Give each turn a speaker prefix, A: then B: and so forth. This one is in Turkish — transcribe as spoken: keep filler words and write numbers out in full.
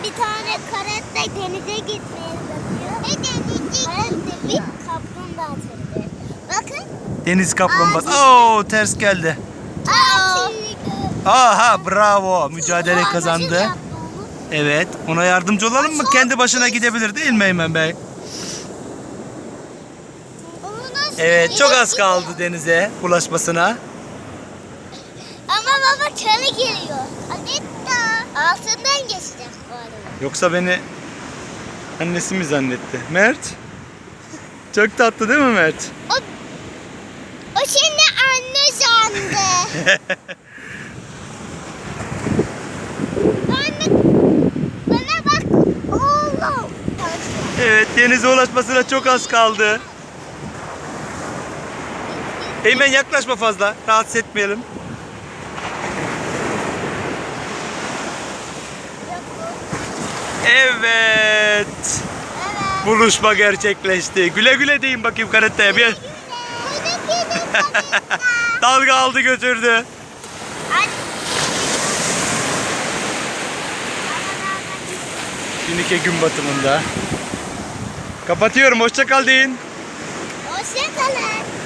A: bir tane karette denize gitmeye çalışıyor. E denize karette bir kaplumbağa türü. Bakın.
B: Deniz kaplumbağası. Oo, ters geldi.
A: Aa.
B: Aha, bravo. Mücadele kazandı. Evet. Ona yardımcı olalım mı? Kendi başına gidebilir değil mi Eymen Bey? Evet, çok az kaldı denize ulaşmasına.
A: Ama baba köle geliyor. Hatta altından geçecek galiba.
B: Yoksa beni annesi mi zannetti? Mert? Çok tatlı değil mi Mert?
A: O, o şimdi anne sandı. Anne, bana bak oğlum.
B: Evet, denize ulaşmasına çok az kaldı. Eymen yaklaşma fazla. Rahatsız etmeyelim. Evet.
A: Evet.
B: Buluşma gerçekleşti. Güle güle deyin bakayım karateye bir.
A: Güle güle karetta.
B: Dalga aldı götürdü. Finike gün batımında. Kapatıyorum. Hoşça kal deyin.
A: Hoşça kalın.